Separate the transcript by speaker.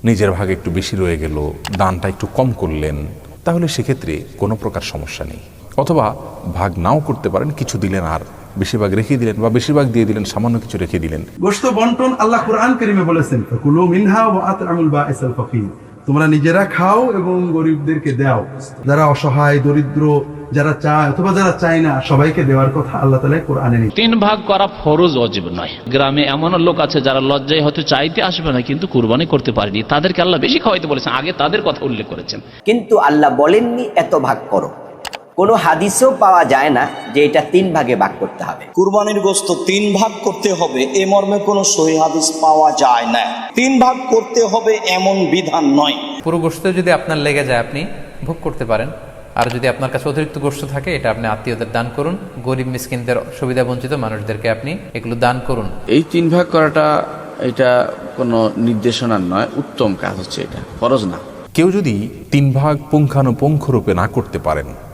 Speaker 1: নিজের ভাগ একটু বেশি রয়ে গেল, দানটা একটু কম করলেন, তাহলে সেক্ষেত্রে কোনো প্রকার সমস্যা নেই। অথবা ভাগ নাও করতে পারেন, কিছু দিলেন আর বেশিরভাগ রেখে দিলেন, বা বেশিরভাগ দিয়ে দিলেন, সামান্য কিছু রেখে দিলেন।
Speaker 2: গোশত বন্টন আল্লাহ কুরআন কারীমে বলেছেন, কুলু মিনহা ওয়া আত'আমুল বাঈসাল ফাকির, তোমরা নিজেরা খাও এবং গরিবদেরকে দাও। যারা অসহায়, দরিদ্র, যারা চায় অথবা যারা চায় না, সবাইকে দেওয়ার কথা আল্লাহ তাআলা কোরআনে নিয়ে।
Speaker 3: 3 ভাগ করা ফরজ ওয়াজিব নয়। গ্রামে এমন লোক আছে যারা লজ্জায় হয়তো চাইতে আসবে না, কিন্তু কুরবানি করতে পারেনি, তাদেরকে আল্লাহ বেশি খাওয়াইতে বলেছেন, আগে তাদের কথা উল্লেখ করেছেন।
Speaker 4: কিন্তু আল্লাহ বলেননি এত ভাগ করো। কোনো হাদিসেও পাওয়া যায় না যে এটা 3 ভাগে ভাগ করতে হবে।
Speaker 5: কুরবানির গোশত 3 ভাগ করতে হবে এ মর্মে কোনো সহিহ হাদিস পাওয়া যায় না। 3 ভাগ করতে হবে এমন বিধান নয়।
Speaker 6: পুরো গোশত যদি আপনার লেগে যায় আপনি ভোগ করতে পারেন, আর যদি আপনার কাছে অতিরিক্ত গোশত থাকে এটা আপনি আত্মীয়দের দান করুন, গরিব মিসকিনদের, সুবিধা বঞ্চিত মানুষদেরকে আপনি এগুলো দান করুন।
Speaker 7: এই 3 ভাগ করাটা এটা কোনো নির্দেশনার নয়, উত্তম কাজ হচ্ছে, এটা ফরজ না।
Speaker 1: কেউ যদি 3 ভাগ পুঙ্খানুপুঙ্খ রূপে না করতে পারেন,